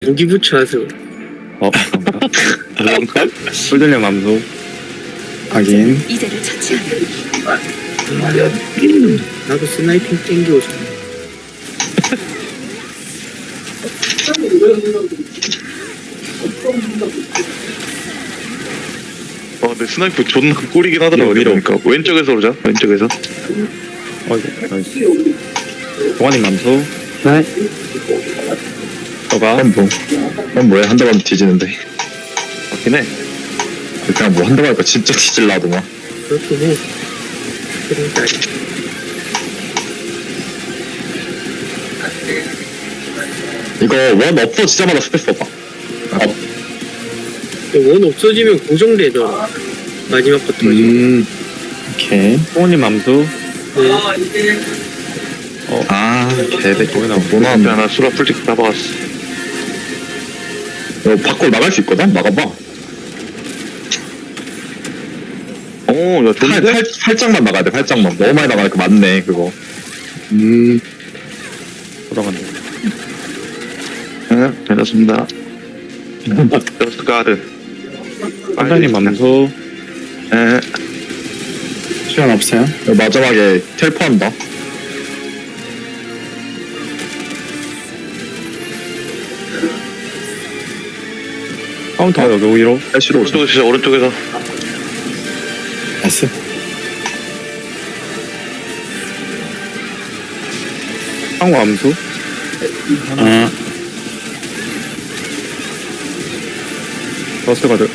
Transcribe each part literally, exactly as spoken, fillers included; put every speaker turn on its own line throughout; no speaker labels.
무기 부처하세요.
어, 그런가? 꿀들려 맘소.
확인.
이제를 처치하면
나도 스나이핑 땡기고 싶어.
아, 근데 스나이프 존나 꿀이긴 하더라고.
위로, 위로.
그러니까 왼쪽에서 오자. 왼쪽에서.
어이구, 나이스. 동환님 맘소.
네.
너가
그럼 뭐, 그럼 뭐해 한 대만 뒤지는데
맞긴 해.
그냥 뭐 한 대만 하니까 진짜 뒤질라더만.
그렇긴 해. 그러니까
이거 원 없어지자마자 스페이스 써봐. 어,
원 없어지면 고정되더라. 마지막 거 터지고.
음. 오케이.
동환님 맘소.
네.
아 개대
거기나
뭐
앞에
나왔네.
하나 수라 풀틱 다 박았어.
이거 밖으로 나갈 수 있거든? 나가봐.
오, 야,
팔,
좋은데?
팔, 팔짝만 나가야 돼. 팔짝만. 너무 많이 나가니까 맞네 그거.
음.
돌아간다.
네, 괜찮습니다. 저스트 가드.
원장님 맘소.
네.
시간 없어요?
이거 마지막에 텔포한다.
카운터 여기 오히려.
패시로 오자.
오른쪽에서 진짜 오른쪽에서.
나이스.
상호 암수.
아.
버스 가드.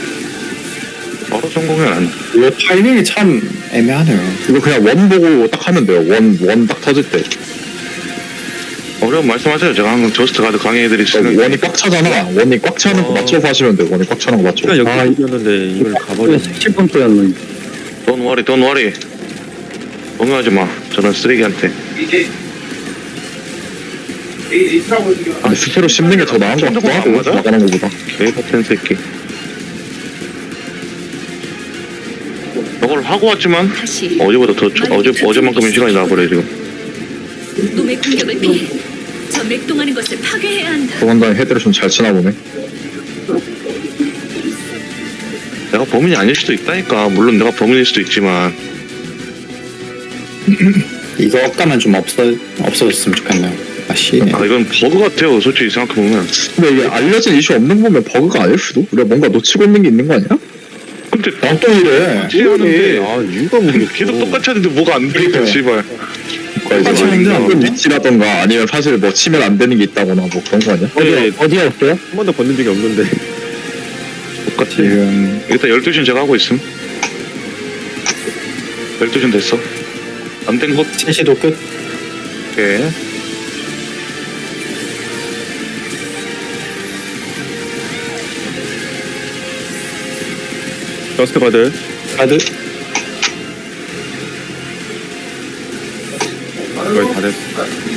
바로 성공은 안 돼.
이거 타이밍이 참 애매하네요.
이거 그냥 원 보고 딱 하면 돼요. 원, 원 딱 터질 때.
어려운 말씀하세요. 제가 항상 저스트 가드 강의해드릴 수 있는.
원이 꽉 차잖아. 원이 꽉 차는 거
어.
맞춰서 하시면 돼요. 원이 꽉 차는 거 맞춰.
시간 여기 이겼는데 이걸 가버리네.
칠 번 또였네.
Don't worry, don't worry. 동요하지 마. 저런 쓰레기한테.
근데 스페로 씹는 게 더 나은 거 같기도
안
하고
맞아?
나가는 거보다.
개 같은 새끼. 저걸 하고 왔지만
다시
어제보다 더 초- 어제 어제만큼의 시간이 나버려 지금.
놈의 공격을 피해 저 맥동하는 것을 파괴해야 한다.
도망다니 헤드를 좀 잘 치나 보네.
내가 범인이 아닐 수도 있다니까. 물론 내가 범인일 수도 있지만.
이거 억가만 좀 없어 없어졌으면 좋겠네요. 아씨.
아 이건 버그 같아요. 솔직히 생각해보면.
근데 이게 알려진 이슈 없는 거 보면 버그가 아닐 수도? 우리가 뭔가 놓치고 있는 게 있는 거 아니야?
근데
난또 이래.
똑같이 하는데
아, 이유가 모르겠어.
걔도 똑같이 하는데 뭐가 안 되니까
그러니까요.
씨발.
똑같이
하는데 안 되나?
위치라던가 아니면 사실 뭐 치면 안 되는 게 있다거나 뭐 그런 거 아니야?
어디 어디였어요? 한 번도 건든 적이 없는데.
똑같이.
지금
일단 열두 시는 제가 하고 있음. 열두 시는 됐어. 안 된 것.
셋시도 끝.
오케이.
버스 가드.
가드.
거의 다 됐어.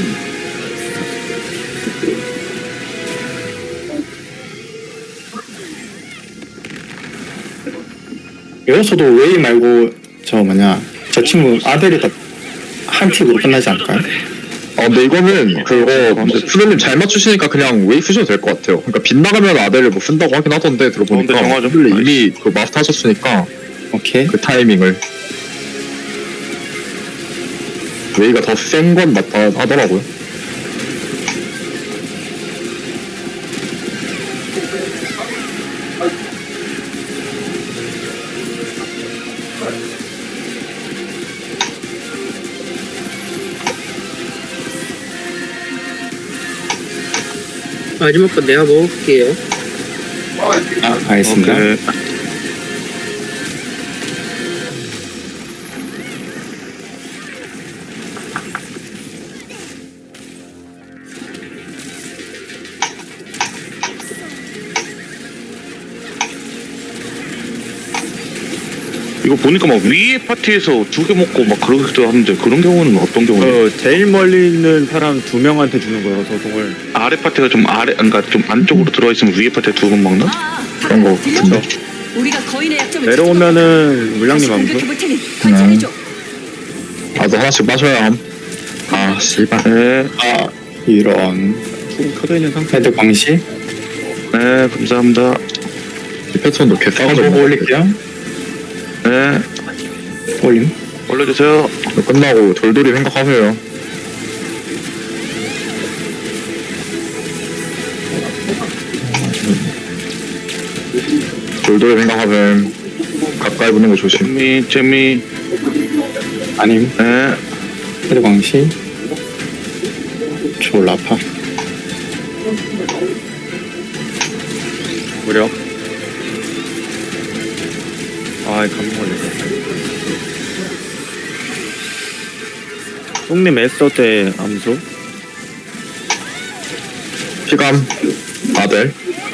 여기서도 웨이 말고 저 뭐냐 저 친구 아델이 다한 팁으로 끝나지 않을까요?
어 근데 이거는 그거 근데 푸드님 잘 맞추시니까 그냥 웨이 쓰셔도 될 것 같아요. 그러니까 빗나가면 아델을 뭐 쓴다고 하긴 하던데 들어보니까
어, 근데 정하죠.
푸드 이미 그 마스터 하셨으니까
오케이.
그 타이밍을 웨이가 더 센 건 맞다 하더라고요.
마지막 거 내가 먹을게요.
아 알겠습니다.
오케이. 이거 보니까 막 위에 파티에서 두 개 먹고 막 그러기도 하는데 그런 경우는 어떤 경우예요?
어, 제일 멀리 있는 사람 두 명한테 주는 거여서 동을.
아래 파티가 좀 아래, 그러니까 좀 안쪽으로 들어가 있으면 위에 파티에 두 번 먹나?
아,
그런 거
들려?
같은데.
우리가 거인의 약점을
내려오면은 물량님 암수.
공격해볼 테니 관찰해줘.
나도 하나씩 마셔야 함. 아 씨발.
네.
아 이런.
조금 켜져 있는 상태.
헤드 광시.
네, 감사합니다.
이 패턴도 개
어,
싸가지고
보고 올릴게요.
네,
올림.
올려주세요.
끝나고 돌돌이 생각하세요. 돌돌이 생각하세요. 가까이 붙는 거 조심.
재미, 재미.
아님.
네,
헤드 광시. 졸라 아파.
무력. 아, 감기 걸렸어. 똥님 에스터 때 암수.
피감 아델.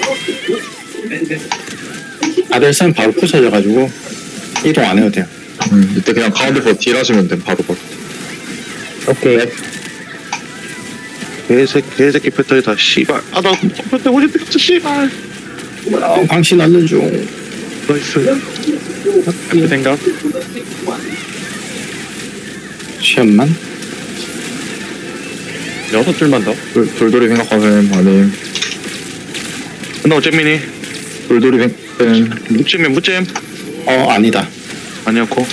아들 쌤 바로 부서져가지고 이동 안 해도 돼요.
음, 이때 그냥 가운데서 딜 하시면 돼. 바로 바로.
오케이.
개새끼, 개새끼 패턴이다, 씨발. 아, 나 패턴 오지 됐어, 씨발.
어, 광시 넣는 중.
나이스.
그 생각.
시험만.
여섯 줄만 더.
돌, 돌돌이 생각하세요. 아님.
끝나고 잼민이.
돌돌이 생각하세요.
무잼이야, 무잼.
어, 아니다.
아니었고.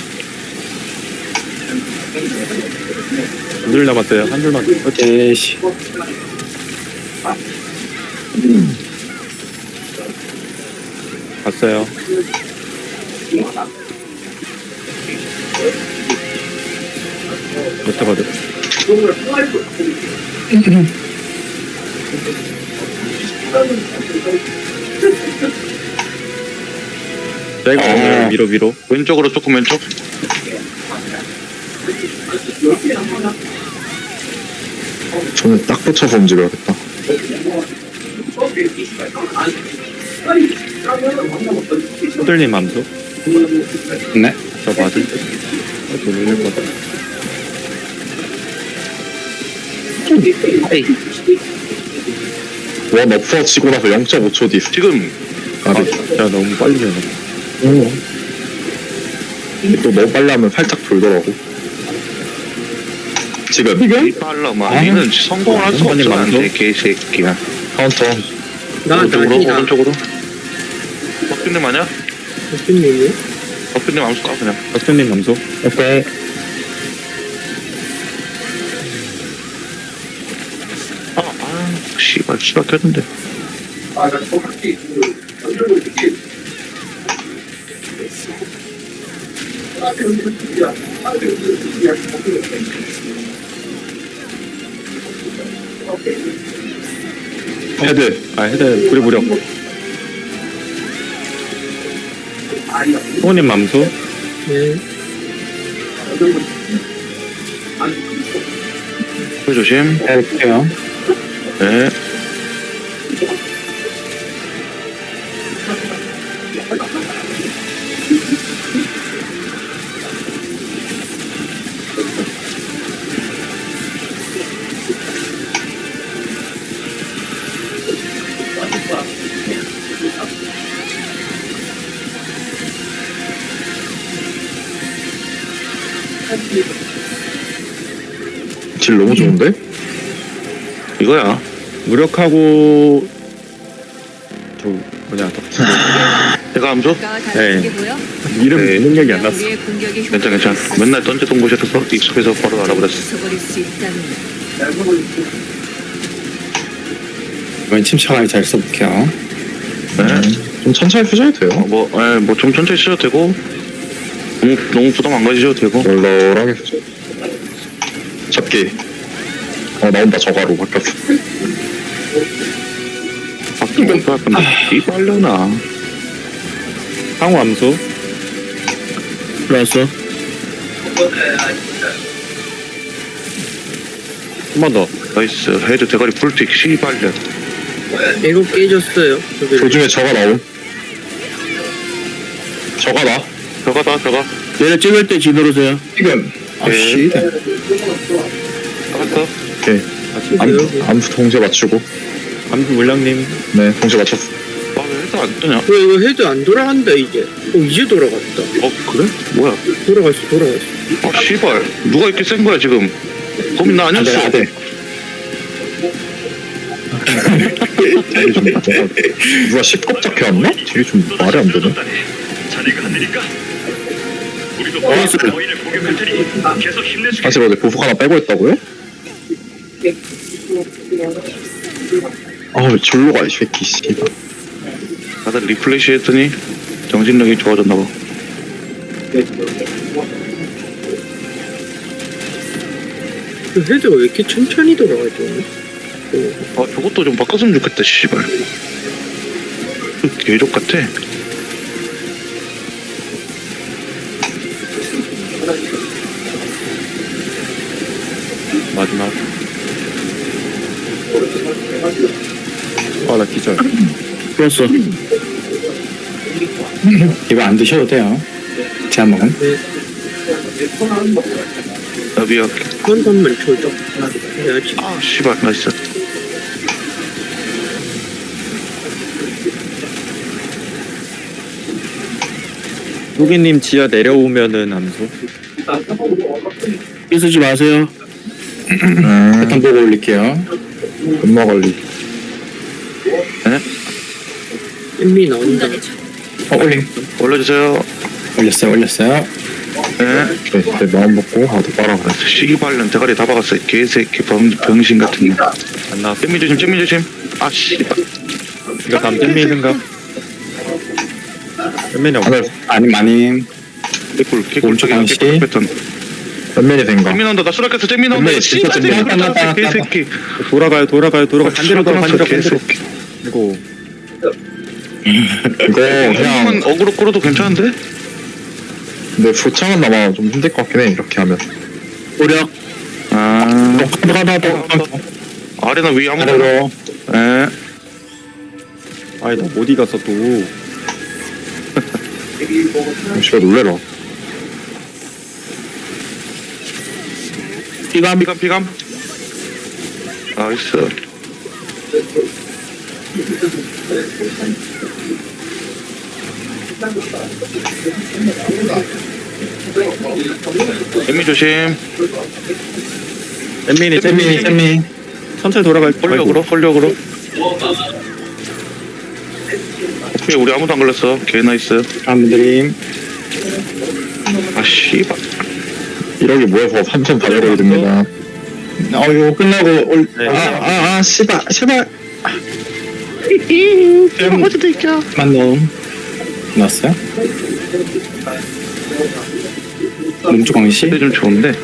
두 줄 남았어요. 한 줄만 더.
오케이. 씨.
갔어요. 여태거든. 내가
어.
오늘 위로 위로.
왼쪽으로 조금 왼쪽.
저는 딱 붙여서 움직여야겠다.
호들님 암수.
네.
저 맞을 때. 어, 돌릴 것 같아.
에이,
원 어퍼 치고 나서 영 점 오 초 뒤.
지금,
아, 네.
야, 너무 빨리 되네.
또 너무 빨리 하면 살짝 돌더라고. 지금
이 빨라마. 니는 성공을 할 수가
아니,
없어,
맞죠?
나한테, 개새끼야.
카운터.
나,
오른쪽으로,
나니다.
오른쪽으로. 박준님 아니야?
무슨 일이야?
박준님 암수 까, 그냥.
박준님 암수.
오케이.
아, 아, 씨발, 씨발 켰는데.
헤드.
아, 헤드 불이 무력. 호님 암수.
네.
그 조심.
해볼게요.
네.
질 너무 좋은데?
이거야.
무력하고 저 뭐냐 더
내가 암수?
네. 이름
네.
능력이 안 났어.
괜찮아, 괜찮아. 맨날 던지던 곳이라서 익숙해서 바로 알아버렸어.
이번 침착하게 잘 써볼게요.
네.
좀 천천히 푸셔도 돼요.
어, 뭐, 에, 뭐, 좀 천천히 쓰셔도 되고, 너무, 너무 부담 안 가지셔도 되고.
널널하게 푸셔. 잡기. 어, 나온다. 저가로 바뀌었어.
바뀌면 또 약간, 이 빨려나.
상호 암수.
플러스.
한 번 더.
나이스. 헤드 대가리 풀픽, 씨발려.
이거 깨졌어요. 저기.
도중에 저가 나옴. 저가 나.
저가다, 저가.
얘를 찍을 때 뒤돌으세요. 지금. 아,
네.
씨.
잡았어.
오케이. 암, 암수 동시에 맞추고.
암수 물량님.
네, 동시에 맞췄어.
아, 왜 헤드 안 뜨냐?
왜 이거 헤드 안 돌아간다, 이제. 어, 이제 돌아갔다.
어, 그래? 뭐야?
돌아갔어, 돌아갔어.
아, 씨발. 누가 이렇게 센 거야, 지금? 범인 나
아들,
아니었어.
아들.
딜이 좀 뭐가 누가 십겁 잡혀왔나? 딜이 좀 말이 안 되네.
자네가 안 되니까. 우리도 거인을 공격할 테니 계속 힘내주게.
사실 어제 보석 하나 빼고 했다고요? 아왜 절로 가 이 새끼 씨발.
다들 리플레시 했더니 정신력이 좋아졌나 봐.
그 헤드가 왜 이렇게 천천히 돌아가죠? 어,
아 저것도 좀 바꿨으면 좋겠다 씨발. 개족 같아.
마지막. 아 나 기절.
풀었어. 이거 안 드셔도 돼요. 제가 먹은.
나비야.
한 번만 쳐줘. 해야지.
아 씨발 나이스.
후기님 지하 내려오면은 암수.
쓰지 마세요.
음,
패턴 보고 올릴게요.
금마 관리.
엠미 나온다.
공간에 줘.
어, 올림.
올려주세요.
올렸어요, 올렸어요.
네.
네, 내 마음 먹고 하도 빨아 그래.
시기발년 대가리 다 박았어요. 개새끼 병, 병신 같은 거.
안 나왔어.
잼미 조심 잼미 조심. 아 씨발.
이거 다음 잼미 생각. 잼미는 없어.
하늘
아님, 아님.
개꿀 개꿀
오른쪽
저기
방시.
개꿀 패턴.
몇면이 된가?
잼미 나온다. 나 수락했어. 잼미 나온다.
잼미
씨발
진짜
잼미
잼미 나온다.
나온다. 개새끼.
돌아가요 돌아가요 돌아가. 반대로 돌아 반대로 반대로.
개새끼.
이거
이거 그냥
그냥 어그로 끌어도 괜찮은데?
근데 부창은 아마 좀 힘들 것 같긴 해 이렇게 하면.
오력.
아
가다, 가다, 가다.
아래나 위 아무거나.
아래로.
예.
아니 나 어디 갔어 또.
씨발 놀래라.
피감 피감 피감. 나이스. 잼미 조심.
잼민이
잼미,
잼민이
잼미.
천천히 돌아갈.
홀력으로 홀력으로. 오케이 우리 아무도 안 걸렸어. 개 나이스.
사람들이.
아 씨발.
이러기 뭐해서 삼천 다 열어야 됩니다.
어, 이거 끝나고 올.
네.
아, 아, 아, 씨발, 씨발.
잼 어디도 있냐?
만놈. 넣었어요? 몸쪽 광시.
근데 좀 좋은데.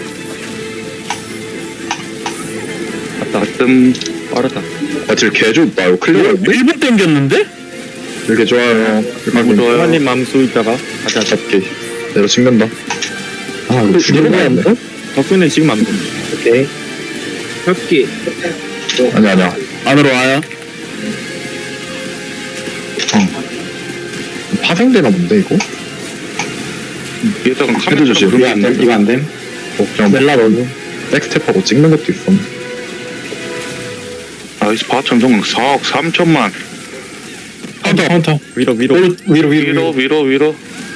갔다.
가끔
빠르다.
아 지금 개 좋다. 이거 클리어인데?
일 분 땡겼는데?
이렇게 좋아요.
너무 좋아요.
하나님 맘수 있다가 가자.
잡기. 내려 찍는다. 아 이거 죽이는 거 아닌데?
덕분에 지금 맘수.
오케이.
잡기.
아니 아니야.
안으로 와요.
파생되나 본데 이거?
위에다가
헤드
카메라
조심.
이거 안 됨, 이거 안 됨.
어, 그냥 멜라 넣는 백스텝하고 찍는 것도 있어.
나이스 바천 성공 사억 삼천만.
카운터, 카운터.
위로 위로.
위로, 위로,
위로
위로.
위로 위로.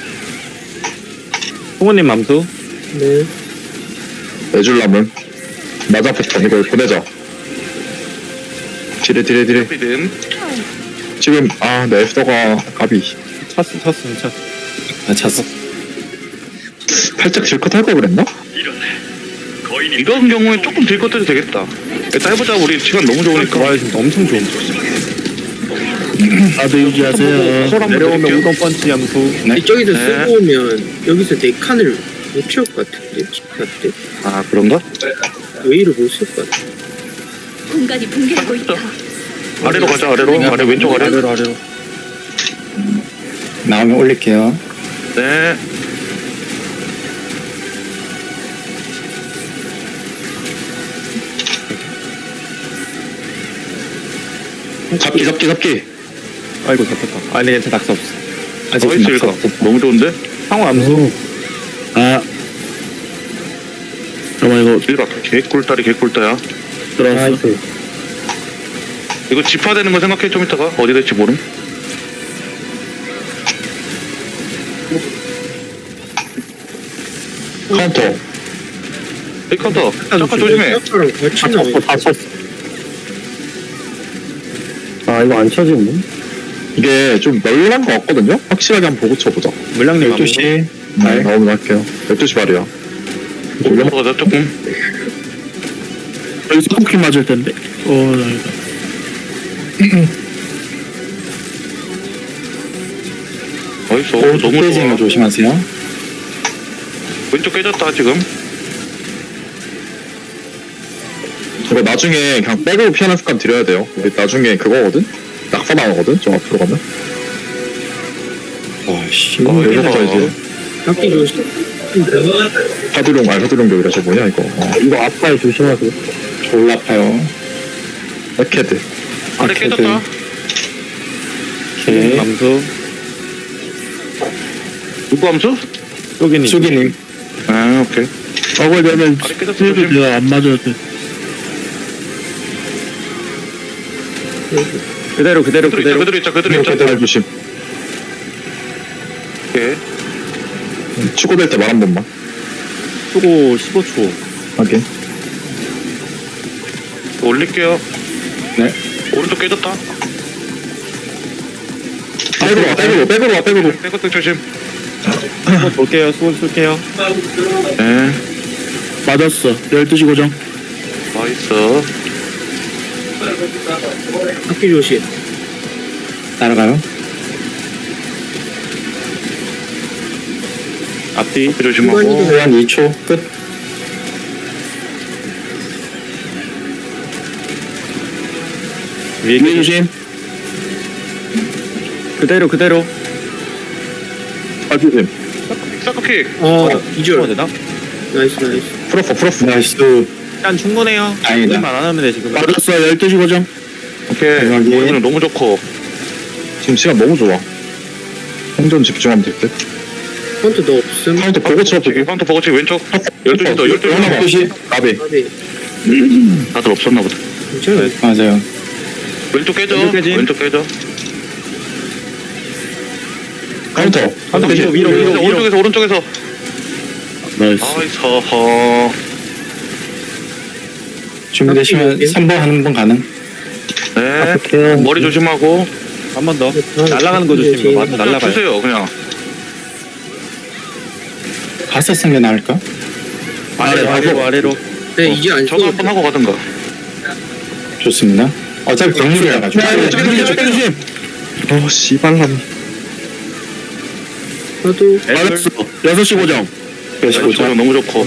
홍원님 맘수.
네.
내줄라면 맞아 패턴 이걸 보내자. 디레 디레 디레.
피든.
지금 아내 에스더가 가비.
찼어 찼어 찼어.
나 찼어.
살짝 질컷 할 걸 그랬나?
이런 거인이
이런 경우에 조금 딜 것도 되겠다. 일단 해보자. 우리 시간 너무 좋으니까.
와 지금 엄청 좋은.
다들 유지하세요.
콜 한번
내려오면
드릴게요.
우동 펀치 함수.
네.
이쪽에서
네.
쓰고 오면 여기서 네 칸을 못 채울 것 같은데. 집할 때.
아 그런가?
웨이를 못 쓸 것 같아.
공간이 붕괴하고 있다.
아래로 가자. 아래로. 아래 왼쪽 아래.
아래로 아래로.
나오면 올릴게요.
네.
잡기 잡기 잡기.
아이고 잡혔다. 아 근데 괜찮아 낙서 없어.
아직
나이스
낙서
이거.
없어.
너무 좋은데?
상호 암수.
아. 잠깐만, 이거
이라 개꿀다리 개꿀다야.
들어왔어.
이거 집화되는 거 생각해 좀 이따가 어디 될지 모름.
카운터.
이 카운터 잠깐 조심해.
랑 같이 나와.
다 쳤어. 아 이거 안 쳐지네.
이게 좀 널널한 것 같거든요? 확실하게 한번 보고 쳐보자.
물량님
열두 시.
네, 나오면 할게요. 열두 시 발이야.
올라가자 조금.
여기 스포키 맞을 텐데. 어,
어이소
오,
너무
깨지는 거
좋아.
조심하세요.
왼쪽 깨졌다 지금.
이거 나중에 그냥 백으로 피하는 습관 들여야 돼요. 우리 나중에 그거거든? 낙사 나오거든? 좀 앞으로 가면.
와씨.
어,
여기서 이제
깎기 조심.
하드룡, 아, 하드룡 격이라 저 뭐냐, 이거. 어,
이거 아파요 조심하세요. 졸라 아파요.
백헤드.
아래 깨졌다.
오케이.
감수
누구 함수?
쪼기님
수기님.
아 오케이.
저걸 되면
아래 깨졌어 조심.
내가 안 맞아도 돼.
그대로 그대로
그대로 있자
그대로
그대로 있자 그대로 있자.
백헤드 조심.
오케이.
추고될 때 말 한 번만.
수고 십오 초
확인.
올릴게요.
네.
오른쪽 깨졌다.
백으로 와, 백으로, 백으로 와, 백으로.
백어택 조심.
수고 볼게요 수고 쏠게요
네.
맞았어. 열두 시 고정.
나이스.
깎기 조심.
따라가요.
앞뒤
조심하고.
한 이 초 끝.
위에
위에 조심.
그대로 그대로
아, 조심.
사커킥.
어,
어
이절.
되나?
나이스, 나이스.
풀었어, 풀었어.
나이스.
일단 충분해요
다행이다.
만 안 하면 돼 지금
맞았어. 열두 시 고정.
오케이.
대박이.
오늘 너무 좋고.
지금 시간 너무 좋아. 행전 집중하면 될 듯.
펀트 너 없음.
카운트 보고 쳐, 보고.
카운터 버거치 왼쪽. 열두 시 더, 열두 시 더.
열두 시.
나비.
까비.
다들 없었나 보다.
괜찮아.
맞아요.
왼쪽 깨져.
왼쪽 깨짐.
왼쪽 깨져.
카운터.
카운터
다시.
위로 위로 위로 위로
오른쪽에서 오른쪽에서.
나이스.
아이스 허.
준비되시면 삼 번 하는 번 가능.
네. 머리 조심하고.
한 번 더 날아가는 거 조심 맞아
그냥
날아가요
주세요 그냥.
가서 쓰는 게 나을까?
아래로 아래로 아래로
네, 이제 안
저도
써도
한번 하고 가든가.
좋습니다. 어차피 경물이라 가지고.
어, 씨발람.
나도
맞았어. 여섯 시 고정. 여섯 시
왼쪽
고정.
너무 좋고.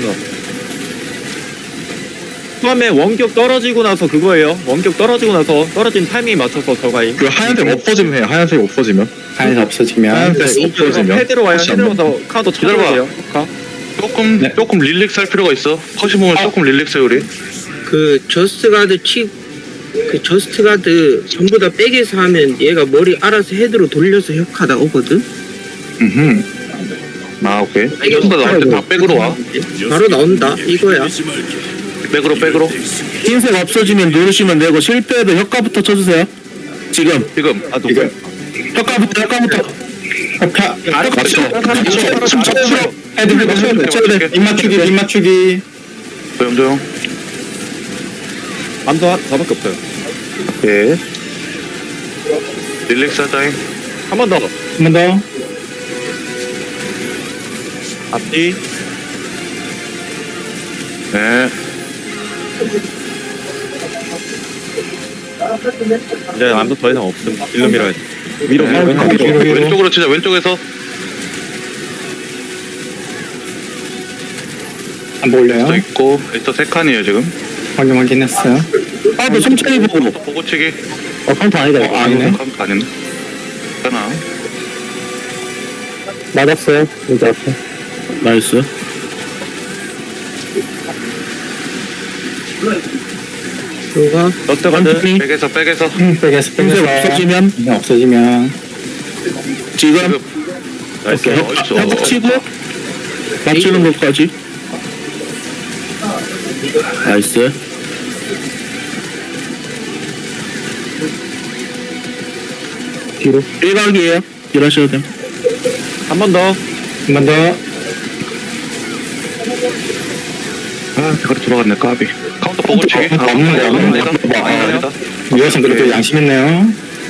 처음에 원격 떨어지고 나서 그거예요 원격 떨어지고 나서 떨어진 타이밍에 맞춰서 저가임
그 하얀색 없어지면 해. 하얀색 없어지면.
하얀색 없어지면.
하얀색 없어지면.
헤드로 와요
혹시 안
헤드로 와서 카드
기다려봐.
쳐줘야 돼요 카.
조금
네.
조금 릴렉스 할 필요가 있어. 컷이 보면 조금 릴렉스 해 우리.
그 저스트 가드 치, 그 저스트 가드 전부 다 백에서 하면 얘가 머리 알아서 헤드로 돌려서 혁하다 오거든?
음흠.
아 오케이. 이겼다 나올 때 다 백으로 와.
바로 나온다. 이거야.
백으로 백으로.
흰색 없어지면 누르시면 되고 실패해도 효과부터 쳐주세요. 지금.
지금.
아
이거.
누구
효과부터 효과부터. 효과.
아래
맞죠?
춤춰. 헤드 맞춰야 돼. 맞춰야 돼. 입 맞추기. 입 맞추기.
조용 조용.
암도 한 저밖에 없어요
예. 릴렉스 하자잉.
한 번 더
한 번 더.
앞뒤
네.
이제 암도 더 이상 없음 일로 밀어야 돼 위로
네.
위로 위로
위로, 위로.
왼쪽으로 치자. 왼쪽에서.
한번 올려요.
또 있고. 일단 세 칸이에요 지금.
확인 확인했어요. 아, 너 천천히 보고.
보고치기.
어, 카운트 아니다. 어, 아니네.
카운트 아니네. 괜찮아.
맞았어요. 여기 앞에. 나이스.
들어가.
너트 가드
백에서 백에서.
응, 백에서 백에서. 없어지면? 네, 없어지면. 지금.
나이스
오케이.
어딨어?
협 치고. 맞추는 것까지. 나이스. 뒤로. 일각이에요. 일하셔도 돼.
한 번 더
한 번 더.
아 대가리 돌아갔네 까비. 카운터 보고치기.
어, 없는데, 없는데.
아니다. 아니다. 아니다.
이것은 그래도 양심 있네요.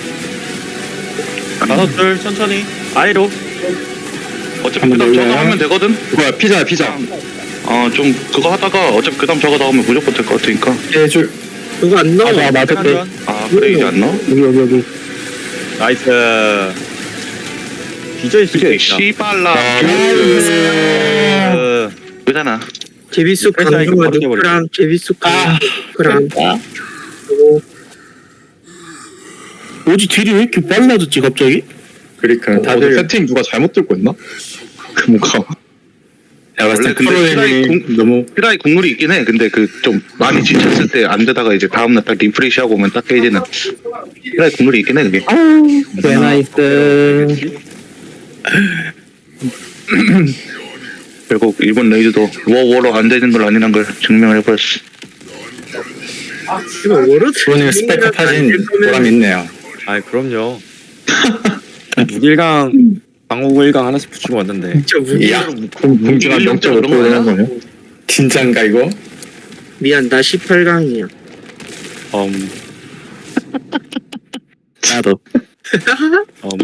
다섯 줄 천천히 아래로.
어차피
한번
그 다음 저거
올려요.
하면 되거든.
그거야 피자야 피자.
어 좀 그거 하다가 어차피 그 다음 저거 나오면 무조건 될 것 같으니까.
해줄.
그거 안 나와.
맞아, 맞아. 네.
한전
아 그래 이제 안 나와?
여기, 여기, 여기.
나이스. 뒤져있을 수
그게
있다.
씨발라.
어,
그잖아.
제비수
회사에
강조가
바로 깨버려.
누구랑 제비수
아.
강조랑
뭐지, 딜이 왜 이렇게 빨라졌지, 갑자기? 그러니까,
어,
다들.
세팅 누가 잘못 들고 있나? 그 뭔가
내가 봤을 때
원래 근데
프로그램이
피라이
너무.
피라이 국룰이 있긴 해. 근데 그 좀 많이 지쳤을 때 안 되다가 이제 다음날 딱 리프레시하고 오면 딱 깨지는 피라이 국룰이 있긴 해 그게.
개 나이스.
결국 일본 레이즈도 워워로 안 되는 걸 아니란 걸 증명을 해버렸어.
이거 워로드
프로님 스펙 타진 보람이 있네요.
아이 그럼요. 무길강 방어구 일 강 하나씩 붙이고 왔는데.
진짜 무기.
야,
공중한 영 점 오 퍼센트 되는 거냐?
진짠가, 이거?
미안 나 십팔 강이야.
음,
나도.
음.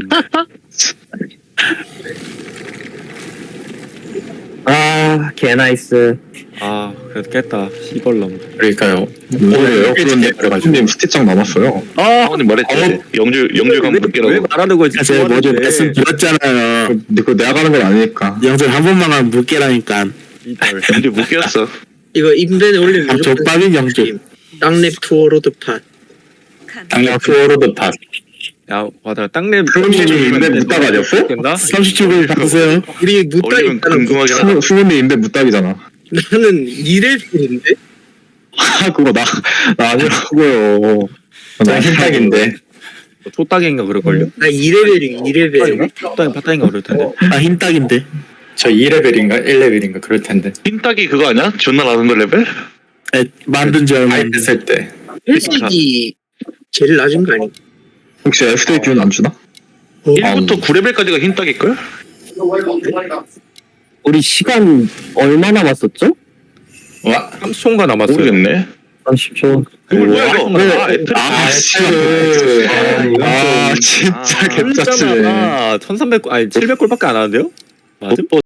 아, 개 나이스.
아 그래도 깼다. 시벌놈.
그러니까요.
오늘요?
그래가지고.
그런님 스티장 남았어요.
아
아버님 말했지. 영줄 영줄감
왜
붙게라고.
말하는 거지?
제가 뭐좀 말씀 드렸잖아요.
근데 그거 내가 가는 건 아니니까.
영절 한 번만 하면 묻게라니까.
이걸.
영줄 묶였어.
이거 임벤에 올리면
아,
무조건
족밥인 영절.
땅랩 투어로드 팟.
당력 투어로드 팟.
야 맞아. 땅랩.
프로님이 인벤 묻다가 아니었어?
된다?
삼십 줄 바꾸세요.
우리 묻다
올리면
있다는 거.
궁금하긴 하다.
수- 수근님 인벤 묻다기잖아.
나는 이레벨인데
아 그거 나 나 아니라고요.
나 흰딱인데.
초딱인가 그럴걸요?
나 이레벨이 이레벨.
초딱인 파딱인가 그럴 텐데.
아 흰딱인데.
저 이 레벨인가 일 레벨인가 그럴 텐데.
흰딱이 그거 아니야? 존나 낮은 거 레벨?
에, 만든 지 얼마 안
하이프
됐어요.
했을 때.
회색이 제일 낮은 거 아니?
혹시 에프데이 기운 안 주나?
일부터 구 레벨까지가 흰딱일걸?
우리 시간 얼마 남았었죠?
와.
삼십 초인가 남았어요.
모르겠네.
삼십 초.
이거 뭐야 이거? 아, 애플.
아, 씨.
아, 아 진짜
아,
개짜증.
아, 천삼백 골 아니 칠백 골밖에 안 하는데요? 맞아?